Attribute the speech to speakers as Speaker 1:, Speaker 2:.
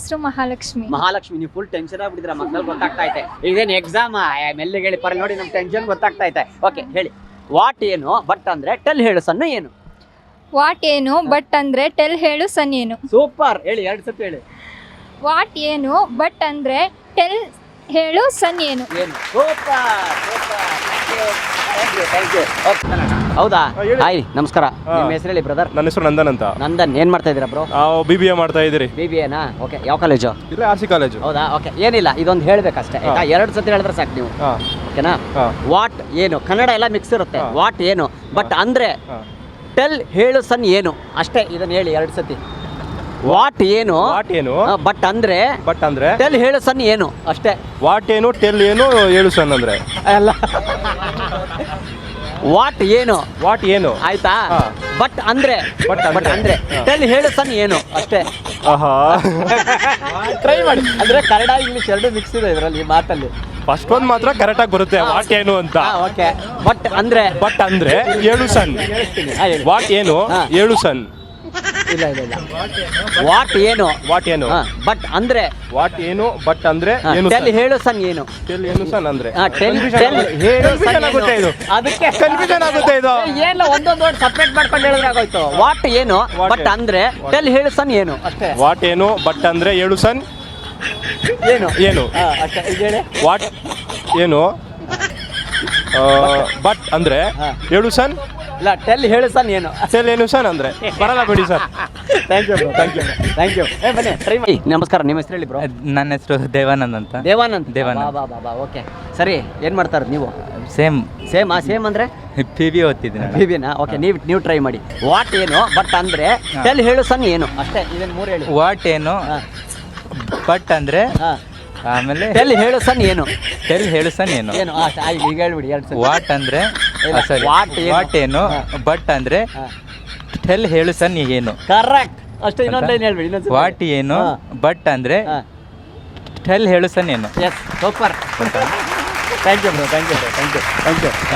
Speaker 1: ಹೆಸರು ಮಹಾಲಕ್ಷ್ಮಿ.
Speaker 2: ಮಹಾಲಕ್ಷ್ಮಿ, ನೀವು full tension ಆಗ್ಬಿಟ್ಟಿದ್ರ, ಮಕ್ಕಳು ಗೊತ್ತಾಗ್ತಾ ಐತೆ. ಇದೇನು ಎಕ್ಸಾಮ್ ಮೆಲ್ಲಿಗೆ ಹೇಳಿ ಪರ ನೋಡಿ, ನಮ್ ಟೆನ್ಷನ್ ಗೊತ್ತಾಗ್ತಾ ಐತೆ. ಓಕೆ ಹೇಳಿ, ವಾಟ್ ಏನು ಬಟ್ ಅಂದ್ರೆ ಟೆಲ್ ಹೇಳು ಸಣ್ಣ ಏನು?
Speaker 1: ವಾಟ್ ಏನು ಬಟ್ ಅಂದ್ರೆ ಟೆಲ್ ಹೇಳು ಸನ್ ಏನು?
Speaker 2: ಸೂಪರ್, ಹೇಳಿ 2 ಸತಿ ಹೇಳಿ.
Speaker 1: ವಾಟ್ ಏನು ಬಟ್ ಅಂದ್ರೆ ಟೆಲ್ ಹೇಳು ಸನ್ ಏನು?
Speaker 2: ಏನು? Super super, thank you. ಹೌದಾ? ಹಾಯ್ ನಮಸ್ಕಾರ, ನಿಮ್ಮ ಹೆಸರು ಹೇಳಿ ಬ್ರದರ್.
Speaker 3: ನನ್ನ ಹೆಸರು ನಂದನ್ ಅಂತ.
Speaker 2: ನಂದನ್, ಏನ್ ಮಾಡ್ತಾ ಇದ್ದೀರಾ ಬ್ರೋ?
Speaker 3: ನಾವು BBA ಮಾಡ್ತಾ ಇದ್ದೀರಿ.
Speaker 2: BBAನಾ? ಓಕೆ, ಯಾವ ಕಾಲೇಜು?
Speaker 3: ಇಲ್ಲ, RC ಕಾಲೇಜು.
Speaker 2: ಹೌದಾ? ಓಕೆ, ಏನಿಲ್ಲ, ಇದೊಂದು ಹೇಳ್ಬೇಕಷ್ಟೇ ಆಯ್ತಾ? 2 ಸತಿ ಹೇಳಿದ್ರೆ ಸಾಕು ನೀವು, ಓಕೆನಾ? ವಾಟ್ ಏನು, ಕನ್ನಡ ಎಲ್ಲ ಮಿಕ್ಸ್ ಇರುತ್ತೆ. ವಾಟ್ ಏನು ಬಟ್ ಅಂದ್ರೆ ಟೆಲ್ ಹೇಳು ಸನ್ ಏನು, ಅಷ್ಟೇ. ಇದನ್ನ ಹೇಳಿ 2 ಸತಿ. ವಾಟ್ ಏನು ಬಟ್ ಅಂದ್ರೆ ಟೆಲ್ ಹೇಳು ಸನ್ ಏನು, ಅಷ್ಟೇ.
Speaker 3: ವಾಟ್ ಏನು, ಟೆಲ್ ಏನು, ಹೇಳು ಸನ್ ಅಂದ್ರೆ
Speaker 2: ಅಲ್ಲ, ವಾಟ್ ಏನು ಆಯ್ತಾ? ಬಟ್ ಅಂದ್ರೆ ಟೆಲ್ ಹೇಳು ಸನ್ ಏನು, ಅಷ್ಟೇ. ಟ್ರೈ ಮಾಡಿ, ಅಂದ್ರೆ ಕನ್ನಡ ಇಂಗ್ಲಿಷ್ 2 ಮಿಕ್ಸ್ ಇದೆ ಇದರಲ್ಲಿ, ಈ ಮಾತಲ್ಲಿ.
Speaker 3: ಫಸ್ಟ್ ಒಂದು ಮಾತ್ರ ಕರೆಕ್ಟ್ ಆಗಿ ಬರುತ್ತೆ, ವಾಟ್ ಏನು ಅಂತ.
Speaker 2: ಓಕೆ, ಬಟ್ ಅಂದ್ರೆ
Speaker 3: ಹೇಳು ಸನ್. ವಾಟ್ ಏನು, ಹೇಳು ಸನ್.
Speaker 2: ಇಲ್ಲ, ವಾಟ್ ಏನು ಬಟ್ ಅಂದ್ರೆ
Speaker 3: ಟೆಲ್
Speaker 2: ಹೇಳು ಸನ್ ಏನು?
Speaker 3: ಟೆಲ್ ಏನು ಸನ್ ಅಂದ್ರೆ
Speaker 2: ಅದಕ್ಕೆ
Speaker 3: ಕನ್ಫ್ಯೂಷನ್ ಆಗುತ್ತೆ ಇದು.
Speaker 2: ಏನಿಲ್ಲ, ಒಂದೊಂದು ವರ್ಡ್ ಸಪ್ರೇಟ್ ಮಾಡ್ಕೊಂಡು ಹೇಳಿದ್ರೆ ಆಗೋಯ್ತು. ವಾಟ್ ಏನು ಬಟ್ ಅಂದ್ರೆ ಟೆಲ್ ಹೇಳು ಸನ್ ಏನು, ಅಷ್ಟೇ.
Speaker 3: ವಾಟ್ ಏನು ಬಟ್ ಅಂದ್ರೆ ಹೇಳು ಸನ್ ಏನು
Speaker 2: ಅಷ್ಟೇ. ಇದು ಹೇಳಿ,
Speaker 3: ವಾಟ್ ಏನು ಬಟ್ ಅಂದ್ರೆ ಹೇಳು ಸನ್.
Speaker 2: ಇಲ್ಲ, ಟೆಲ್ ಹೇಳು ಸನ್ ಏನು,
Speaker 3: ಟೆಲ್ ಏನು ಸನ್ ಅಂದ್ರೆ ಬರಲ್ಲ ಬಿಡಿ ಸರ್.
Speaker 2: Thank you. ಬನ್ನಿ, ಟ್ರೈ ಮಾಡಿ. ನಮಸ್ಕಾರ, ನಿಮ್ಮ ಹೆಸರು ಹೇಳಿ ಬ್ರೋ.
Speaker 4: ನನ್ನ ಹೆಸರು ದೇವಾನಂದ್ ಅಂತ.
Speaker 2: ದೇವಾನಂದ್. ಓಕೆ, ಸರಿ. ಏನ್ ಮಾಡ್ತಾರೆ ನೀವು?
Speaker 4: ಸೇಮ್
Speaker 2: ಅಂದ್ರೆ
Speaker 4: PB ಓದ್ತಿದ್ದೀನಿ.
Speaker 2: BBAನಾ? ಓಕೆ, ನೀವು ಟ್ರೈ ಮಾಡಿ. ವಾಟ್ ಏನು ಬಟ್ ಅಂದ್ರೆ ಟೆಲ್ ಹೇಳು ಸನ್ ಏನು, ಅಷ್ಟೇ. ಇದನ್ನ 3 ಹೇಳಿ.
Speaker 4: ವಾಟ್ ಏನು ಬಟ್ ಅಂದ್ರೆ ಆಮೇಲೆ
Speaker 2: ಟೆಲ್ ಹೇಳು ಸನ್ ಏನು
Speaker 4: ಏನು
Speaker 2: ಈಗ ಹೇಳ್ಬಿಡಿ 2 ಸಲ.
Speaker 4: ವಾಟ್ ಅಂದ್ರೆ ವಾಟ್ ಏನು ಬಟ್ ಅಂದ್ರೆ ಟೆಲ್ ಹೇಳು ಸನ್ ಏನು.
Speaker 2: ಕರೆಕ್ಟ್, ಅಷ್ಟೇ. ಇನ್ನೊಂದು ಲೈನ್ ಹೇಳ್ಬಿಡಿ.
Speaker 4: ವಾಟ್ ಏನು ಬಟ್ ಅಂದ್ರೆ ಟೆಲ್ ಹೇಳು ಸನ್ ಏನು.
Speaker 2: Yes, super. Thank you bro, thank you.